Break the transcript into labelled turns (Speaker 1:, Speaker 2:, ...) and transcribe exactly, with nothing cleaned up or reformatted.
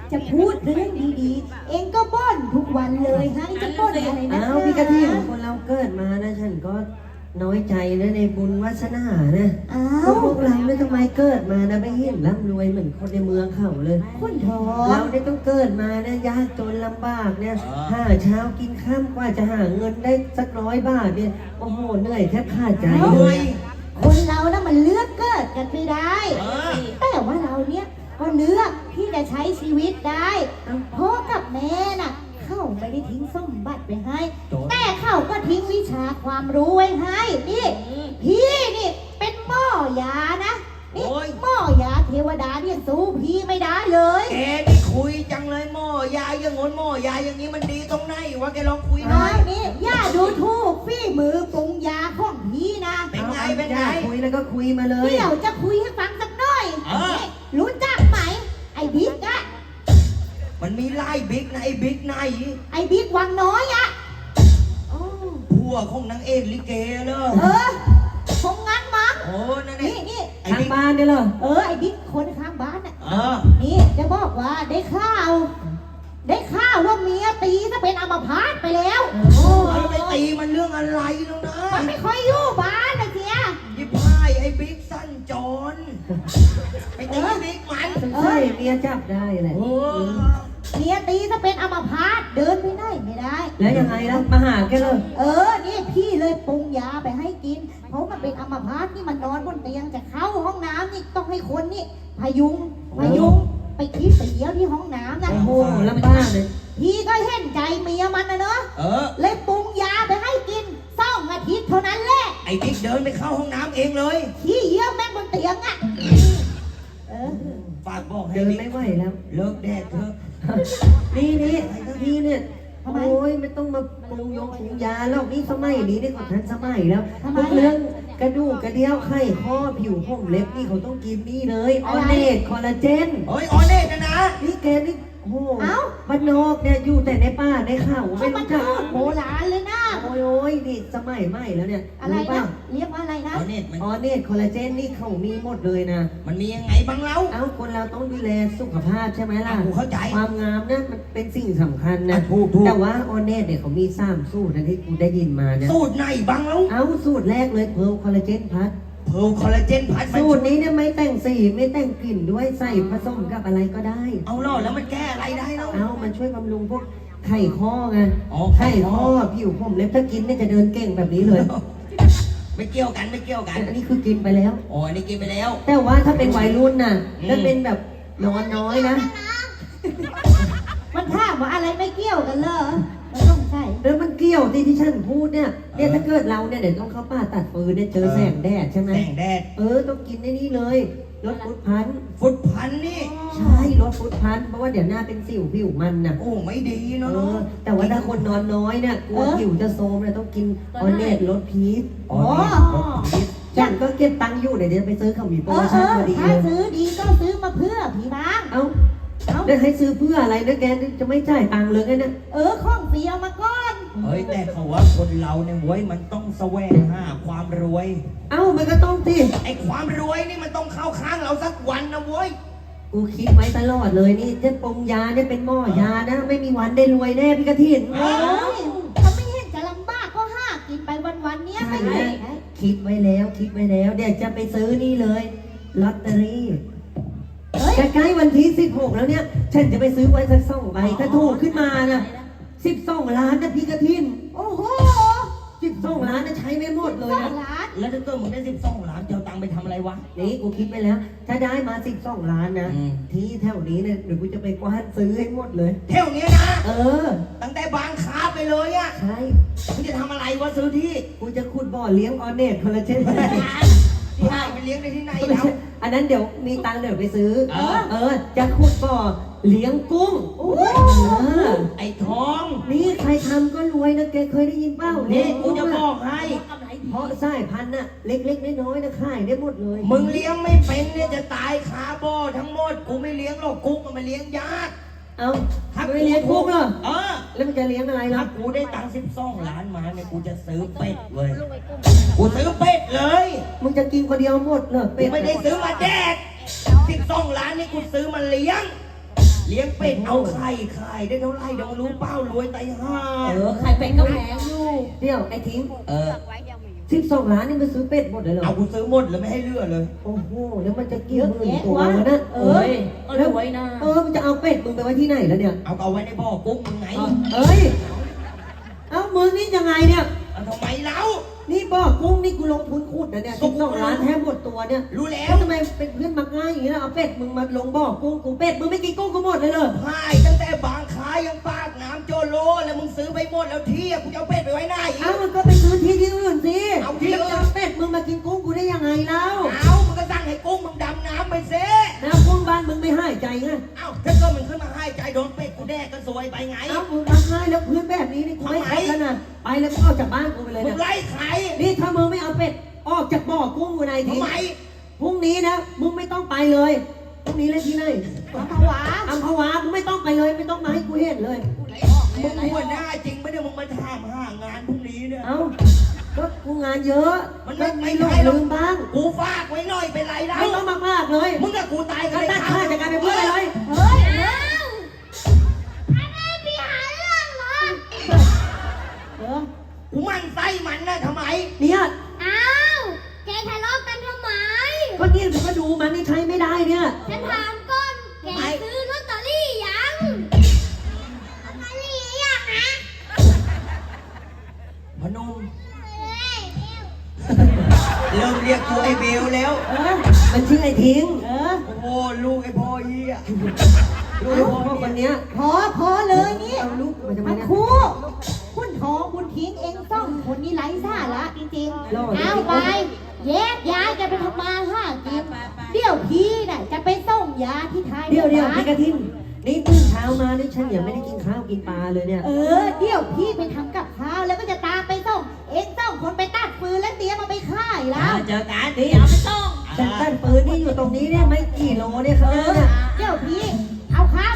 Speaker 1: จะพูดเรื่องดีๆเองก็บ่นทุกวันเลยฮะจะบ่นอะไรนะ
Speaker 2: อ้าวพี่กะทิของคนเราเกิดมานะฉันก็น้อยใจนะในบุญวาสนานะ
Speaker 1: อ้า
Speaker 2: ก็
Speaker 1: ว
Speaker 2: พวกเราเนี่ยทำไมเกิดมานะไม่เห็นร่ำรวยเหมือนคนในเมืองเขาเลย
Speaker 1: คุณทอ
Speaker 2: เรา
Speaker 1: ง
Speaker 2: เนี่ยต้องเกิดมาเนี่ยยากจนลำบากเนี่ยหาเช้ากินข้ามกว่าจะหาเงินได้สักร้อยบาทเนี่ยโอ้โหเหนื่อยแทบขาดใจเลย
Speaker 1: คนเรานะมันเลือกเกิดกันไม่ได้
Speaker 3: เออ
Speaker 1: แต่ว่าเราเนี่ยก็เลือกที่จะใช้ชีวิตได้พ่อกับแม่น่ะเขาไม่ได้ทิ้งสมบัติไปให้ แต่เขาก็ทิ้งวิชาความรู้ไว้ให้นี่พี่นี่เป็นหม้อยานะนี่
Speaker 3: โอ้ย
Speaker 1: หม้อยาเทวดาเนี่ยสู้พี่ไม่ได้เลย
Speaker 3: แกนี่คุยจังเลยหม้อยาอย่างงนหม้อยาอย่างนี้มันดีตรงไหนวะแกลองคุยหน่
Speaker 1: อ้า
Speaker 3: อยว
Speaker 1: นี่ย่าดูถูกฝีมือปรุงยาของพี่นะ
Speaker 3: เป็นไง
Speaker 2: อา
Speaker 3: เป็นไง
Speaker 2: อยากคุยแล้วก็คุยมาเลย
Speaker 1: เดี๋ยวจะคุยให้ฟังสักหน่อย
Speaker 3: เออ
Speaker 1: นี่รู้จักไหมไอ้บิ๊กอะ
Speaker 3: มันมีไล่บิ๊กนะไอ้บิ๊กไหน
Speaker 1: ไอ้บิ๊กวังน้อยอะโอ้
Speaker 3: ผัวของนางเอกลิเกเนอะ
Speaker 1: เออคงงั้นมั้ง
Speaker 3: โอ้นั่น
Speaker 1: นี่
Speaker 3: นี่
Speaker 1: นี่
Speaker 3: ไอ้
Speaker 2: ทาง
Speaker 3: บิ๊ก
Speaker 2: บ้านเนี่ยเหรอ
Speaker 1: เออไอ้บิ๊กคนข้างบ้านน่ะ
Speaker 3: เออ
Speaker 1: นี่จะบอกว่าได้ข่าว ได้ข่าวว่าเมียตีซะเป็นอัมพาตไปแล้ว
Speaker 3: โอ้แล้วไปตีมันเรื่องอะไรแล้วนะ
Speaker 1: มันไม่ค่อยอยู่บ้านนะเสีย
Speaker 3: ยิบพายไอ้บิ๊กสั้นจรไปตีบิ๊กมัน
Speaker 2: ใช่เมียจับได้แหละ
Speaker 3: โอ้
Speaker 1: เมียตีซะเป็นอัมพาตเดินไปไหนไม่ได้
Speaker 2: แล้วยังไงล่ะมาหาแกเลย
Speaker 1: เออ นี่พี่เลยปรุงยาไปให้กิน เพราะมันเป็นอัมพาตนี่มันนอนบนเตียงจะเข้าห้องน้ำนี่ต้องให้คนนี่พยุงพยุงไปคิดไปเยี่ยวที่ห้องน้ำนะ
Speaker 2: โอ้โหลำบากเลย
Speaker 1: พี่ก็เห็นใจเมียมันนะเนอะ
Speaker 3: เออ
Speaker 1: เลยปรุงยาไปให้กินสองอาทิตย์เท่านั้นแหละ
Speaker 3: ไอ้บิ๊กเดินไปเข้าห้องน้ำเองเลย
Speaker 1: ขี้เยี่ยวแม่งบนเตียงอ่ะเออ
Speaker 3: ฝากบอกให้
Speaker 2: เดิน
Speaker 3: บิ๊ก
Speaker 2: ไม่ไหวแล้ว
Speaker 3: เลิกแดกเถอะ
Speaker 2: นี่นี่นี่เนี่ยโอ้ยไม่ต้องมาปรุงยงปรุงยาแล้วนี่สมัยนี้นี่ก็ทันสมัยแล้วพวกเรื่องกระดูกกระเดี่ยวไข้ข้อผิวผมเล็บนี่เขาต้องกินนี่เลยออเนตคอลลาเจน
Speaker 3: เฮ้ยออเน่นะนะ
Speaker 2: นี่แกนี่โอ้โหบ้านนอกเนี่ยอยู่แต่ในป่าในเขาไม่
Speaker 1: มัน
Speaker 2: รู้จัก
Speaker 1: พูดโบราณเลยนะ
Speaker 2: โอ้ยโอ้ยนี่สมัยใหม่แล้วเนี่ย
Speaker 1: อะไร
Speaker 2: รู้
Speaker 1: นะ
Speaker 2: ป่ะ
Speaker 1: เรียกว่าอะไรนะ
Speaker 3: ออเน่มัน
Speaker 2: ออเนตคอลลาเจนนี่เขามีหมดเลยนะ
Speaker 3: มันมียังไงบ้างเล่า
Speaker 2: เอ้าคนเราต้องดูแลสุขภาพใช่ไหมล่ะ
Speaker 3: อ่ะกูเข้าใจ
Speaker 2: ความงามเนี่ยมันเป็นสิ่งสำคัญนะ
Speaker 3: อ่ะถูกถูก
Speaker 2: แต่ว่าออเนตเนี่ยเขามีสามสูตรนะที่กูได้ยินมาเนี่ย
Speaker 3: สูตรไหนบ้างเล่า
Speaker 2: เอ้าสูตรแรกเลยเพร์ลคอลลาเจนพัท
Speaker 3: เพร์ลคอลลาเจนพัดมัน
Speaker 2: สูตรนี้เนี่ยไม่แต่งสีไม่แต่งกลิ่นด้วยใส่ผสมกับอะไรก็ได้
Speaker 3: เอาล่อแล้วมันแก้อะไรได้เล่า
Speaker 2: เอ้ามันช่วยบำรุงพวกไข้ข้อไง
Speaker 3: อ๋อ
Speaker 2: ไข้ข้อผิวผมเล็บถ้ากินเนี่ยจะเดินเก่งแบบนี้เลย
Speaker 3: ไม่เกี่ยวกันไม่เกี่ยวกัน
Speaker 2: อันนี้คือกินไปแล้ว
Speaker 3: โอ้อันนี้กินไปแล้ว
Speaker 2: แต่ว่าถ้าเป็นวัยรุ่นน่ะ
Speaker 3: อืม
Speaker 2: ถ้าเป็นแบบนอนน้อยนะ
Speaker 1: มันถามว่าอะไรไม่เกี่ยวกันเหรอมันต้องใช่
Speaker 2: แล้วมันเกี่ยวที่ที่ฉันพูดเนี่ยเนี่ยถ้าเกิดเราเนี่ยเดี๋ยวต้องเข้าป่าตัดฟืนเนี่ยเจอแสงแดดใช่ไหม
Speaker 3: แสงแดด
Speaker 2: เออต้องกินในนี้เลยลดฟุตพันธุ์
Speaker 3: ฟุตพันนี่
Speaker 2: ใช่ลดฟุตพันธุ์เพราะว่าเดี๋ยวหน้าเป็นสิวผิวมันน่ะ
Speaker 3: โอ้ไม่ดี
Speaker 2: เอ
Speaker 3: เนาะ
Speaker 2: อแต่ว่าถ้าคนนอนน้อยเนี่ยกลัวผิวจะโทรมเนี่ยต้องกินออนเนตลดพีช
Speaker 3: อ๋อนี่รถพีช
Speaker 2: ฉันก็เก็บตังค์อยู่เดี๋ยวจะไปซื้อเขามีโปร
Speaker 1: เอ
Speaker 2: โม
Speaker 1: อเอ
Speaker 2: ชั่น
Speaker 1: อ
Speaker 2: พอดี
Speaker 1: ถ้า
Speaker 2: เลย
Speaker 1: ซื้อดีก็ซื้อมาเพื่อพี่บ้าง
Speaker 2: เอ้า
Speaker 1: เอ้า
Speaker 2: แล้วให้ซื้อเพื่ออะไรนะแกจะไม่จ่ายตังค์เลยไงเนี่ย
Speaker 1: เออข้องเสียมาก่อน
Speaker 3: เฮ้ยแต่เขาว่าคนเราเนี่ยเว้ยมันต้องแสวงหาความรวย
Speaker 2: เอ้ามันก็ต้องสิ
Speaker 3: ไอ้ความรวยนี่มันต้องเข้าข้างเราสักวันนะเว้ย
Speaker 2: กูคิดไว้ตลอดเลยนี่จะปรุงยาเนี่ยเป็นหม้อยานะ ไม่มีวันได้รวยแน่พี่กระถิน
Speaker 1: เอ้ยถ้าไม่เห็นจะลำบากก็ห้ากินไปวันๆเนี้ย
Speaker 2: ใช่
Speaker 1: ไม่
Speaker 2: แล้
Speaker 1: ได้
Speaker 2: วคิดไว้แล้วคิดไว้แล้วเดี๋ยวจะไปซื้อนี่เลยลอตเตอรี่
Speaker 1: เฮ้ย
Speaker 2: ใกล้ๆวันที่สิบหกแล้วเนี่ย ฉันจะไปซื้อไว้สักสองใบถ้าถูกขึ้นมานะสิบสองล้านนะพี่กระถิน
Speaker 1: โอ้โห
Speaker 2: สิบสองล้านนะใช้ไม่หมดเลย
Speaker 1: สอ
Speaker 2: นะ
Speaker 1: งล้าน
Speaker 3: แล้วถ้าเกิดมึงได้สิบสองล้านจะเอาตังค์ไปทำอะไรวะ
Speaker 2: นี่กูคิดไปแล้ว ถ้าได้มาสิบสองล้านนะ
Speaker 3: อืม
Speaker 2: ที่แถวนี้เนี่ยเดี๋ยวกูจะไปกว้านซื้อให้หมดเลย
Speaker 3: เท่านี้นะ
Speaker 2: เออ
Speaker 3: ตั้งแต่บางค้าไปเลยอะ
Speaker 2: ใช่
Speaker 3: มึงจะทำอะไรวะซื้อที่
Speaker 2: กูจะขุดบ่อเลี้ยงออเนตคอลลาเจน
Speaker 3: ที่ให้ไปเลี้ยงได้ที่ไหน
Speaker 2: ไม่
Speaker 3: แล้ว
Speaker 2: ใช่อันนั้นเดี๋ยวมีตังค์เดี๋ยวไปซื้อ
Speaker 3: เออ
Speaker 2: เออ จะขุดบ่อเลี้ยงกุ้ง
Speaker 1: โอ้ย
Speaker 2: เออ
Speaker 3: ไอ้ทอง
Speaker 2: นี่ใครทำก็รวยนะแกเคยได้ยินเปล่า
Speaker 3: นี่
Speaker 2: เลี้ยง
Speaker 3: กู
Speaker 2: กุ้ง
Speaker 3: จะบอกให้
Speaker 2: เพราะสายพันธุ์น่ะเล็กๆน้อยๆนะขายได้หมดเลย
Speaker 3: มึงเลี้ยงไม่เป็นเนี่ยจะตายคาบ่อทั้งหมด กูไม่เลี้ยงหรอกกุ้งมันมาเลี้ยงยาก
Speaker 2: เอ้า
Speaker 3: ถ้า
Speaker 2: ไม่เลี้ยงกุ้งเหรอ
Speaker 3: เออ
Speaker 2: แล้วมันจะเลี้ยงอะไร
Speaker 3: ถ้า
Speaker 2: ล่ะ
Speaker 3: กูได้ตังค์สิบสองล้านมาเนี่ยกูจะซื้อเป็ดเว้ย กูซื้อเป็ดเลย
Speaker 2: มึงจะกินคนเดียวหมดเหรอ
Speaker 3: กู
Speaker 2: เป็ด
Speaker 3: ไม่ได้ซื้อมาแดกสิบสองล้านนี่กูซื้อมาเลี้ยงเลี้ยงเป็ดเอาไข่ไข่ได้เท่าไหร่เดี๋ยวรู้เป้ารวยไตห่า
Speaker 4: เออไข่เป็ดก็แพงอยู่
Speaker 2: เดี๋ยวไอ้ทิ้ง
Speaker 3: เออ
Speaker 2: สิบสองล้านนี่มันซื้อเป็ดหมดเลยเหรอ
Speaker 3: เอากูซื้อหมดเลยไม่ให้เลือกเลย
Speaker 2: โอ้โหแล้วมันจะกี่
Speaker 1: เยอะ
Speaker 2: หมื่น
Speaker 1: แยะ
Speaker 2: ตัว
Speaker 1: วะ
Speaker 2: แล้วนะ
Speaker 4: เอ้ยก็รวยนะ
Speaker 2: เออมันจะเอาเป็ดมึงไปไว้ที่ไหนแล้วเนี่ย
Speaker 3: เอาเอาไว้ในบ่อกุ้งมึงไง
Speaker 2: เอ้ยเอ้ามึงนี่ยังไงเนี่ย
Speaker 3: เอาทำไมเล่า
Speaker 2: นี่บ่อกุ้งนี่กูลงทุนขุดนะเนี่ยสิบสองล้านแทบหมดตัวเนี่ย
Speaker 3: รู้แล้
Speaker 2: แล้ว วทำไมเป็นเพื่อนมักง่ายอย่างนี้ล่ะเอาเป็ดมึงมาลงบ่อกุ้งกูเป็ดมึงไม่กินกุ้งกูหมดเลยเหรอ
Speaker 3: พายตั้งแต่บางค้ายังปากน้ำโจโลแล้วมึงซื้อไปหมดแล้วที่อะกูจะเอาเป็ดไปไว้ไหน
Speaker 2: เอ้ามันก็ไปซื้อที่ที่อื่นสิ
Speaker 3: เอาที่อื่น
Speaker 2: แล้วจะเอาเป็ดมึงมากินกุ้งกูได้ยังไงเล่า
Speaker 3: เอามึงก็สั่งให้กุ้งมึงดำน้ำไปเซ่
Speaker 2: น้ำกุ้งบ้านมึงไม่ให้ใจไง
Speaker 3: เอ้าถ้าเกิดมันขึ้นมาให้ใจโดนเป็ดกูแดกก็ซวยไปไง
Speaker 2: เอ้ามึงมักง่ายแล้วเพื่อนแบบนี้นี่กูไม่คบแล้วนะไปเลยมึงออกจากบ้านกูไปเลย
Speaker 3: มึง
Speaker 2: นะ
Speaker 3: ไล่ใคร
Speaker 2: นี่ถ้ามึงไม่เอาเป็ดออกจากบ่อกุ้งกูในที
Speaker 3: ทำไม
Speaker 2: พรุ่งนี้นะมึงไม่ต้องไปเลยพรุ่งนี้เล่นที่ไหน
Speaker 1: อัมพวา
Speaker 2: อัมพวามึงไม่ต้องไปเลยไม่ต้องมาให้กูเห็นเลย
Speaker 3: มึงหัวหน้าจริงไม่ได้มึงมาถามหางานพรุ่งนี้เนี่ย
Speaker 2: เอ้าก็กูงานเยอะ
Speaker 3: มันไม่
Speaker 2: ไม่
Speaker 3: ไม่
Speaker 2: หลง
Speaker 3: ได้หรอก
Speaker 2: ลืมบ้าง
Speaker 3: กูฝากไว้หน่อยเป็นไรแล้ว
Speaker 2: ไม่ต้องมากๆเลย
Speaker 3: มึงกับกูตายกั
Speaker 2: ก็
Speaker 3: นเลย
Speaker 2: ตัดค่าจากการเป็นเพื่อนไปเลย
Speaker 1: เฮ้ย
Speaker 5: อ้าวทำไมพี่หาเรื่องเหรอ
Speaker 1: เดี๋ยว
Speaker 3: กูมันไส้มันนะทำไม
Speaker 2: เนี่ย
Speaker 5: อ้าวแกทะเลาะกันทำไม
Speaker 2: ก็เนี่ยผมก็ดูมันนี่ใช้ไม่ได้เนี่ย
Speaker 5: ฉันถามก่อนแกซื้อลอตเตอรี่ยังลอตเตอรี่ยังนะ
Speaker 3: พนม
Speaker 5: เฮ้ยเร็ว
Speaker 3: เริ่มเรียกกูไอ้เบลแล้ว
Speaker 2: เออมันชื่อไอ้ทิ้ง
Speaker 1: เออ
Speaker 3: โอ้โหลูกไอ้พ่อเหี้ย
Speaker 2: ดูไอ้พ่อคนเนี้ย
Speaker 1: พอพอเลยนี่
Speaker 2: เอาลูกมาทำไม
Speaker 1: มัน
Speaker 2: เนี่ย
Speaker 1: คู่คุณทองคุณทิ้งเองต้องคนนี้ไร้สาระจริง
Speaker 2: รอด
Speaker 1: ๆ เอาไป แยกย้ายกันไปทำมาหากินเดี๋ยวพี่น่ะจะไปส่งยาที่ท้าย
Speaker 2: เดี๋ยวเดี๋ยว
Speaker 1: บ้า
Speaker 2: พี่
Speaker 1: น
Speaker 2: กระทินนี่ตื่นเช้ามานี่ฉันยังไม่ได้กินข้าวกินปลาเลยเนี่ย
Speaker 1: เออ เดี๋ยวพี่ไปทำกับข้าวแล้วก็จะตามไปส่ง เองต้องคนไปตัดฟืนแล้วเตรียมมาไปค่ายแล้ว
Speaker 3: เจอกัน
Speaker 4: นี่เอาไปต้อง
Speaker 2: แต่ต้นปืนนี่อยู่ตรงนี้เนี่ยไม่กี่โลเนี่ยข้างหน้าเนี่ย
Speaker 1: เดี๋ยวพี่เอาข้าว